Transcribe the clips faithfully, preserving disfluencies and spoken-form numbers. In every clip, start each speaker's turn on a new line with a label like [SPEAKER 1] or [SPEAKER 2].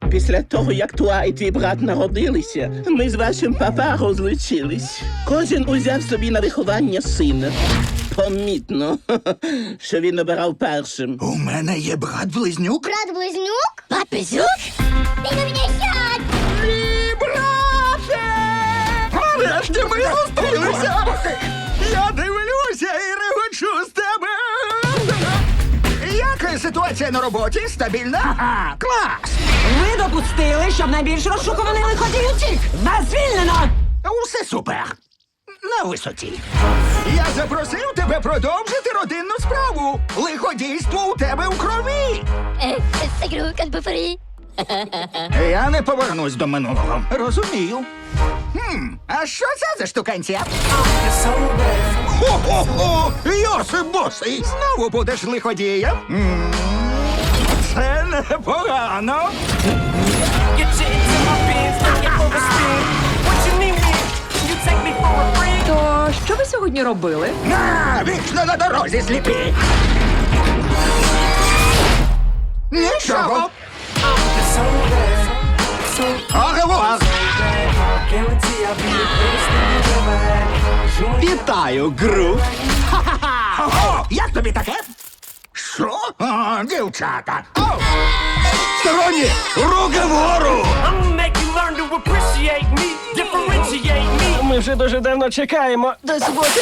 [SPEAKER 1] Після того, як Туа і твій брат народилися, ми з вашим папа розлучились. Кожен узяв собі на виховання сина. Помітно, що він обирав першим.
[SPEAKER 2] У мене є брат-близнюк.
[SPEAKER 3] Брат-близнюк? Брат-близнюк? Ти на мене сяд!
[SPEAKER 2] Мій брате! Нарешті ми зустрілися! Я дивлюся і регочу з тебе! Яка ситуація на роботі? Стабільна? Ага, клас!
[SPEAKER 4] Ви допустили, щоб найбільш розшукуваний лиходій утік! Вас звільнено!
[SPEAKER 2] Усе супер! На висоті. Я запросив тебе продовжити родинну справу. Лиходійство у тебе у крові.
[SPEAKER 3] Е, Сегру, как би фрі.
[SPEAKER 2] Я не повернусь до минулого. Розумію. Хм, а що це за штуканця? Хо-хо-хо! Йосип Босий! Знову будеш лиходієм? М, Це непогано.
[SPEAKER 5] То що ви сьогодні робили?
[SPEAKER 2] На, вічно на дорозі сліпі! Нічого! Агавуаз!
[SPEAKER 6] Вітаю, Гру!
[SPEAKER 2] Ого, як тобі таке? Що? О, дівчата! О!
[SPEAKER 6] Сторонні! Руки вгору!
[SPEAKER 7] Ми вже дуже давно чекаємо до суботи.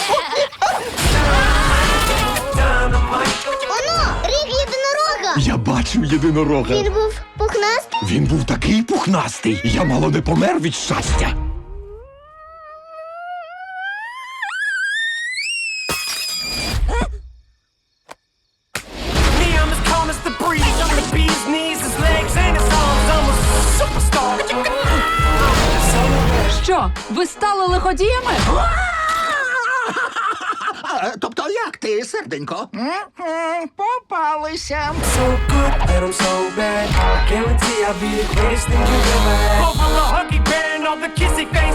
[SPEAKER 3] Оно, рік єдинорога!
[SPEAKER 6] Я бачив єдинорога.
[SPEAKER 3] Він був пухнастий?
[SPEAKER 6] Він був такий пухнастий. Я мало не помер від щастя.
[SPEAKER 5] Що, ви стали лиходіями?
[SPEAKER 2] А, тобто як ти, серденько? М-м, Попалися.
[SPEAKER 8] Guarantee I'll be the greatest thing you've ever had.